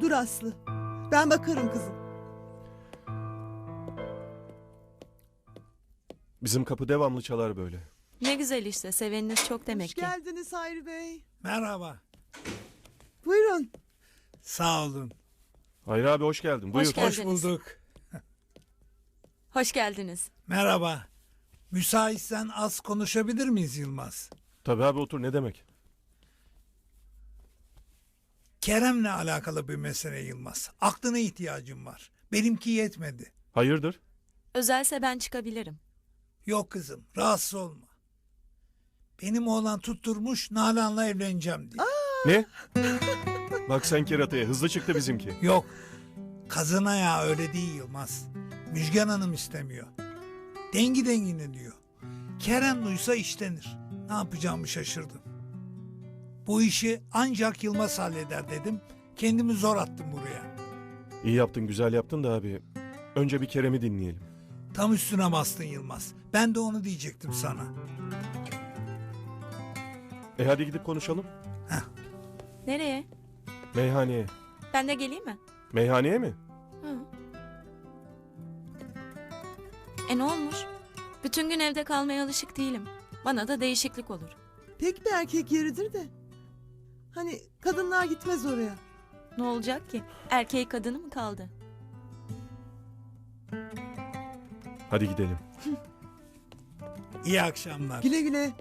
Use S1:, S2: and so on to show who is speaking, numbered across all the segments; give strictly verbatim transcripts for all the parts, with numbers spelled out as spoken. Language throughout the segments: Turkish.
S1: Dur Aslı. Ben bakarım kızım.
S2: Bizim kapı devamlı çalar böyle.
S3: Ne güzel işte, seveniniz çok demek
S1: Hoş
S3: ki.
S1: geldiniz Hayri Bey.
S4: Merhaba.
S1: Buyurun.
S4: Sağ olun.
S2: Hayır abi hoş geldin. Buyur.
S3: Hoş geldin.
S4: Hoş bulduk.
S3: Hoş geldiniz.
S4: Merhaba. Müsaitsen az konuşabilir miyiz Yılmaz?
S2: Tabii abi otur, ne demek?
S4: Kerem'le alakalı bir mesele Yılmaz. Aklına ihtiyacım var. Benimki yetmedi.
S2: Hayırdır?
S3: Özelse ben çıkabilirim.
S4: Yok kızım, rahatsız olma. Benim oğlan tutturmuş Nalan'la evleneceğim diye.
S2: Ne? Bak sen kerataya, hızlı çıktı bizimki.
S4: Yok. Kazına ya öyle değil Yılmaz. Müjgan Hanım istemiyor. Dengi dengine diyor. Kerem duysa işlenir. Ne yapacağımı şaşırdım. Bu işi ancak Yılmaz halleder dedim. Kendimi zor attım buraya.
S2: İyi yaptın, güzel yaptın da abi. Önce bir Kerem'i dinleyelim.
S4: Tam üstüne bastın Yılmaz. Ben de onu diyecektim sana.
S2: E hadi gidip konuşalım.
S3: Nereye?
S2: Meyhaneye.
S3: Ben de geleyim mi?
S2: Meyhaneye mi?
S3: Hı. E ne olmuş? Bütün gün evde kalmaya alışık değilim. Bana da değişiklik olur.
S1: Pek bir erkek yeridir de. Hani kadınlar gitmez oraya.
S3: Ne olacak ki? Erkeği kadını mı kaldı?
S2: Hadi gidelim.
S4: İyi akşamlar.
S1: Güle güle.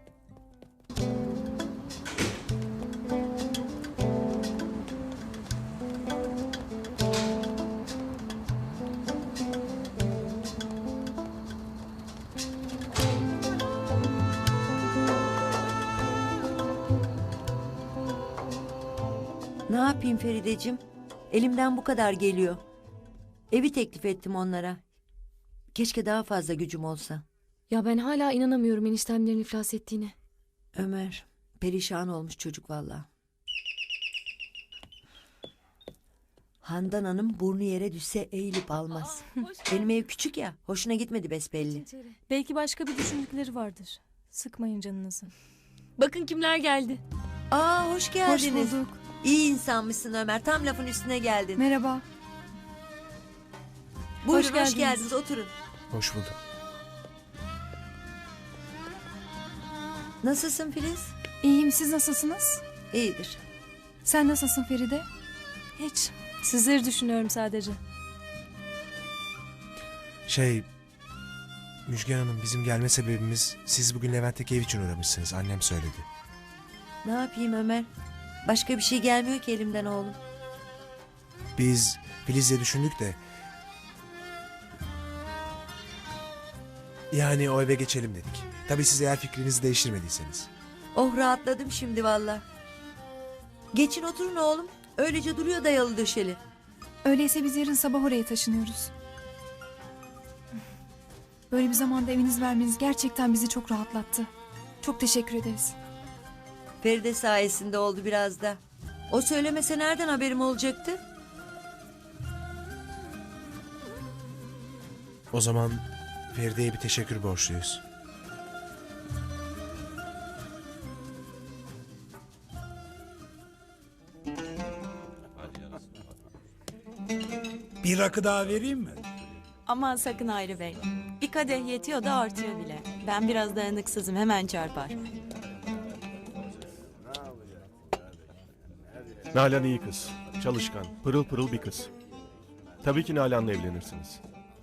S5: Ne yapayım Ferideciğim? Elimden bu kadar geliyor. Evi teklif ettim onlara. Keşke daha fazla gücüm olsa.
S6: Ya ben hala inanamıyorum eniştemlerin iflas ettiğine.
S5: Ömer, perişan olmuş çocuk vallahi. Handan Hanım burnu yere düşse eğilip almaz. Benim ev küçük ya, hoşuna gitmedi besbelli.
S6: Belki başka bir düşündükleri vardır. Sıkmayın canınızı. Bakın kimler geldi.
S5: Aa, hoş geldiniz.
S6: Hoş bulduk.
S5: İyi insanmışsın Ömer, tam lafın üstüne geldin.
S6: Merhaba.
S5: Buyurun,
S6: hoş
S5: hoş
S6: geldiniz.
S5: geldiniz, oturun.
S2: Hoş bulduk.
S5: Nasılsın Filiz?
S6: İyiyim, siz nasılsınız?
S5: İyidir.
S6: Sen nasılsın Feride? Hiç. Sizleri düşünüyorum sadece.
S7: Şey... Müjgan Hanım, bizim gelme sebebimiz siz bugün Levent'teki ev için uğramışsınız. Annem söyledi.
S5: Ne yapayım Ömer? Başka bir şey gelmiyor ki elimden oğlum.
S7: Biz Filiz'le düşündük de... Yani o eve geçelim dedik. Tabii siz eğer fikrinizi değiştirmediyseniz.
S5: Oh, rahatladım şimdi valla. Geçin oturun oğlum. Öylece duruyor dayalı döşeli.
S8: Öyleyse biz yarın sabah oraya taşınıyoruz. Böyle bir zamanda eviniz vermeniz gerçekten bizi çok rahatlattı. Çok teşekkür ederiz.
S5: Feride sayesinde oldu biraz da. O söylemese nereden haberim olacaktı?
S7: O zaman Feride'ye bir teşekkür borçluyuz.
S4: Bir rakı daha vereyim mi?
S3: Aman sakın Hayri Bey. Bir kadeh yetiyor da artıyor bile. Ben biraz dayanıksızım, hemen çarpar.
S2: Nalan iyi kız. Çalışkan, pırıl pırıl bir kız. Tabii ki Nalan'la evlenirsiniz.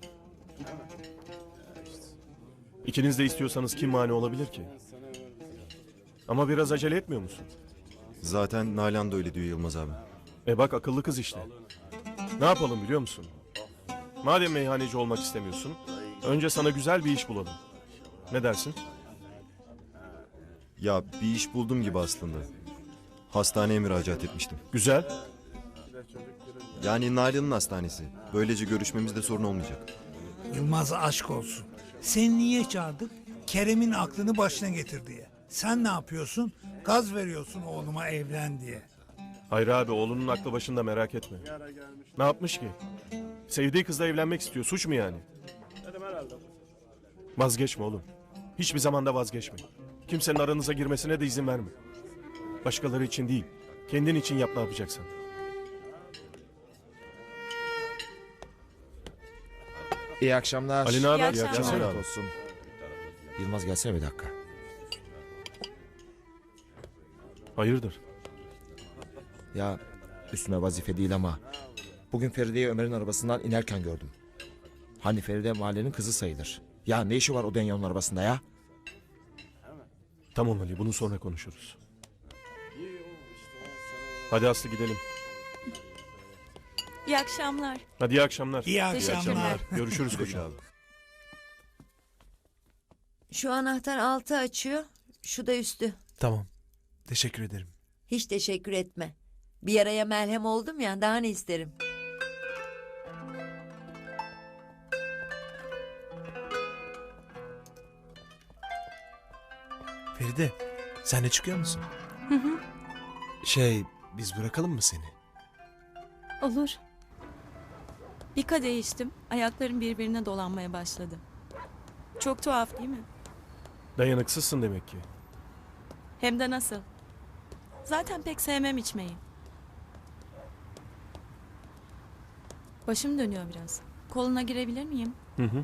S2: İkiniz de istiyorsanız kim mani olabilir ki? Ama biraz acele etmiyor musun?
S9: Zaten Nalan da öyle diyor Yılmaz abi.
S2: E bak akıllı kız işte. Ne yapalım biliyor musun? Madem meyhaneci olmak istemiyorsun, önce sana güzel bir iş bulalım. Ne dersin?
S9: Ya bir iş buldum gibi aslında. Hastaneye müracaat etmiştim.
S2: Güzel.
S9: Yani Nalan'ın hastanesi. Böylece görüşmemizde sorun olmayacak.
S4: Yılmaz aşk olsun. Seni niye çağırdık? Kerem'in aklını başına getir diye. Sen ne yapıyorsun? Gaz veriyorsun oğluma evlen diye.
S2: Hayır abi, oğlunun aklı başında, merak etme. Ne yapmış ki? Sevdiği kızla evlenmek istiyor. Suç mu yani? Vazgeçme oğlum. Hiçbir zamanda vazgeçme. Kimsenin aranıza girmesine de izin verme. Başkaları için değil, kendin için yap ne yapacaksan.
S7: İyi akşamlar.
S2: Ali ne haber?
S3: İyi
S2: İyi
S3: akşamlar.
S2: akşamlar.
S9: Afiyet olsun.
S7: Yılmaz gelsene bir dakika.
S2: Hayırdır?
S7: Ya üstüne vazife değil ama bugün Feride'yi Ömer'in arabasından inerken gördüm. Hani Feride mahallenin kızı sayılır. Ya ne işi var o Denya'nın arabasında ya?
S2: Tamam Ali, bunu sonra konuşuruz. Hadi Aslı gidelim.
S3: İyi akşamlar.
S2: Hadi iyi akşamlar.
S4: İyi akşamlar.
S3: Teşekkürler.
S2: Görüşürüz koçum.
S5: Şu anahtar altı açıyor, şu da üstü.
S7: Tamam. Teşekkür ederim.
S5: Hiç teşekkür etme. Bir yaraya merhem oldum ya, daha ne isterim.
S7: Feride, sen de çıkıyor musun?
S6: Hı hı.
S7: Şey, biz bırakalım mı seni?
S6: Olur.
S3: Bir kadeh içtim. Ayaklarım birbirine dolanmaya başladı. Çok tuhaf değil mi?
S2: Dayanıksızsın demek ki.
S3: Hem de nasıl? Zaten pek sevmem içmeyi. Başım dönüyor biraz. Koluna girebilir miyim?
S2: Hı hı.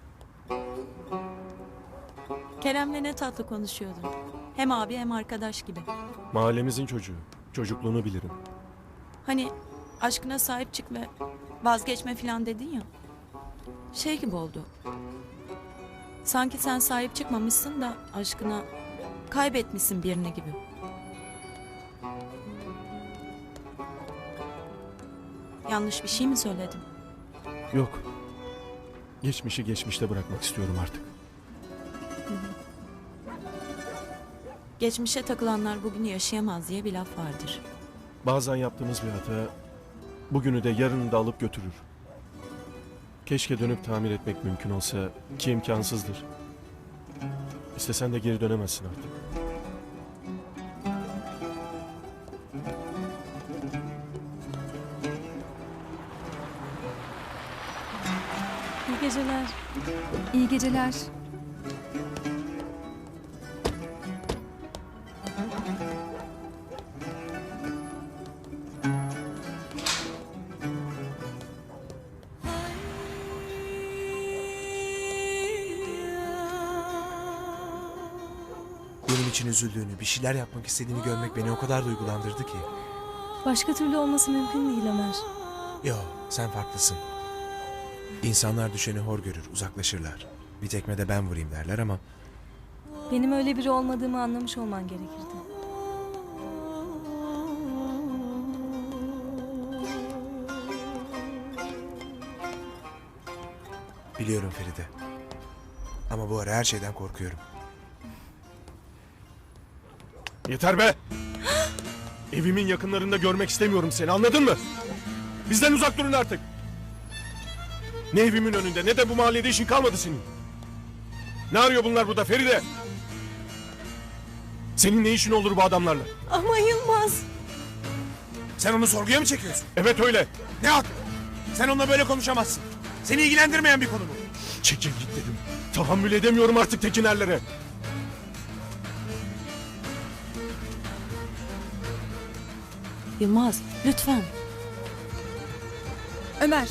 S3: Kerem'le ne tatlı konuşuyordun. Hem abi hem arkadaş gibi.
S2: Mahallemizin çocuğu. Çocukluğunu bilirim.
S3: Hani aşkına sahip çık ve vazgeçme falan dedin ya. Şey gibi oldu. Sanki sen sahip çıkmamışsın da aşkına kaybetmişsin birini gibi. Yanlış bir şey mi söyledim?
S2: Yok. Geçmişi geçmişte bırakmak istiyorum artık.
S3: Geçmişe takılanlar bugünü yaşayamaz diye bir laf vardır.
S2: Bazen yaptığımız bir hata bugünü de yarını da alıp götürür. Keşke dönüp tamir etmek mümkün olsa ki imkansızdır. İstesen de geri dönemezsin artık.
S6: İyi geceler.
S8: İyi geceler.
S7: Benim için üzüldüğünü, bir şeyler yapmak istediğini görmek beni o kadar duygulandırdı ki.
S6: Başka türlü olması mümkün değil Ömer.
S7: Yo, sen farklısın. İnsanlar düşeni hor görür, uzaklaşırlar. Bir tekme de ben vurayım derler ama
S6: Benim öyle biri olmadığımı anlamış olman gerekirdi.
S7: biliyorum Feride. Ama bu ara her şeyden korkuyorum.
S2: Yeter be! Evimin yakınlarında görmek istemiyorum seni, anladın mı? Bizden uzak durun artık. Ne evimin önünde ne de bu mahallede işin kalmadı senin. Ne arıyor bunlar burada Feride? Senin ne işin olur bu adamlarla?
S6: Ama Yılmaz.
S7: Sen onu sorguya mı çekiyorsun?
S2: Evet öyle.
S7: Ne hak? Sen onunla böyle konuşamazsın. Seni ilgilendirmeyen bir konu bu.
S2: Çekil git dedim. Tahammül edemiyorum artık tekinerlere.
S3: Yılmaz, lütfen.
S8: Ömer.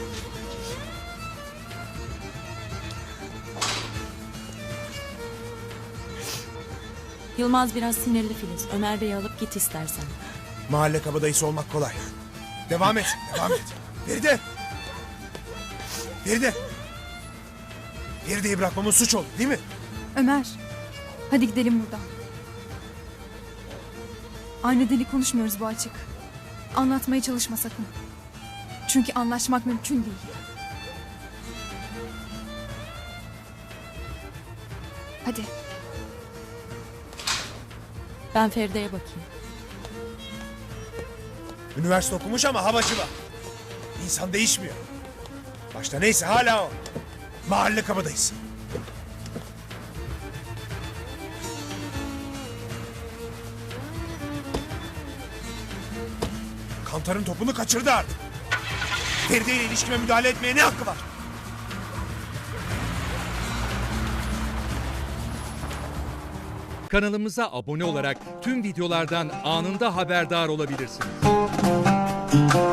S3: Yılmaz biraz sinirli Filiz. Ömer Bey'i alıp git istersen.
S7: Mahalle kabadayısı olmak kolay. Devam et, devam et. Feride! Feride! Feride'yi bırakmamın suç olur değil mi?
S8: Ömer. Hadi gidelim buradan. Aynı dili konuşmuyoruz bu açık. Anlatmaya çalışma sakın. Çünkü anlaşmak mümkün değil. Hadi.
S3: Ben Feride'ye bakayım.
S7: Üniversite okumuş ama havacı var. İnsan değişmiyor. Başta neyse hala o. Mahalle kabadayısı. Kantar'ın topunu kaçırdı artık. Feride ile ilişkime müdahale etmeye ne hakkı var?
S10: Kanalımıza abone olarak tüm videolardan anında haberdar olabilirsiniz.